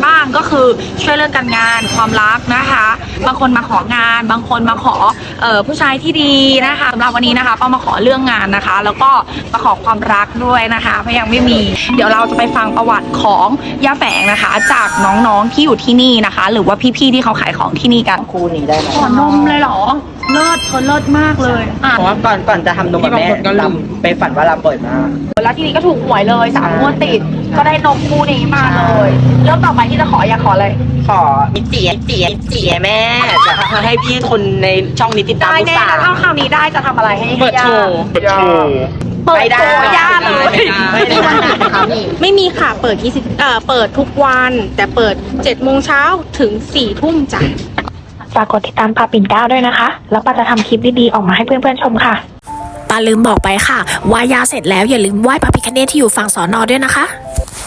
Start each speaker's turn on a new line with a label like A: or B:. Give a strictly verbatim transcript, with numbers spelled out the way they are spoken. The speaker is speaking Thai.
A: บ้างก็คือช่วยเรื่องการงานความรักนะคะบางคนมาของานบางคนมาขอเอ่อผู้ชายที่ดีนะคะสำหรับวันนี้นะคะก็มาขอเรื่องงานนะคะ แล้วก็มาขอความรักด้วยนะคะเพราะยังไม่มีเดี๋ยวเราจะไปฟังประวัติของย่าแฝงนะคะ จากน้องๆที่อยู่ที่นี่นะคะ หรือว่าพี่ๆที่เขาขายของที่นี่กัน
B: คู่นี้ได้ไหม
A: ขอนมเลยเหรอเลิศเธอเลิศมากเลยอ่ะ
B: เพราะว่าก่อนก่อนจะทำนมกับแม่ลำไปฝันว่าลำเปิดมา
A: แล้วทีนี้ก็ถูกหวยเลยสามงวดติดก็ได้นมคู่นี้มาเลยเริ่มต่อไปที่จะขออยากขออะไร
B: ขอมิจิมิจิมิจิแม่จะให้พี่คนในช่องนี้ติดตาม
A: ได้
B: ลูก
A: แน่
B: สาว
A: นะถ้าคราวนี้ได้จะทำอะไรให้
B: เปิดโชว์
C: เปิดโชว์
A: เปิด
B: ไม่ได้
A: โชว์ย่าเลย
B: ไม่ได้วันไหนคะนี่
D: ไม่มีค่ะ เปิดยี่สิบเอ่อเปิดทุกวัน แต่เปิดเจ็ดโมงเช้าถึงสี่ทุ่มจ้ะ
E: ฝากกดติดตามปาปิ่นเกล้าด้วยนะคะ แล้วปาจะทำคลิปดีๆออกมาให้เพื่อนๆชมค่ะ
F: ปาลืมบอกไปค่ะไหว้ยาเสร็จแล้วอย่าลืมไหว้พระพิฆเนศที่อยู่ฝั่งสอนอด้วยนะคะ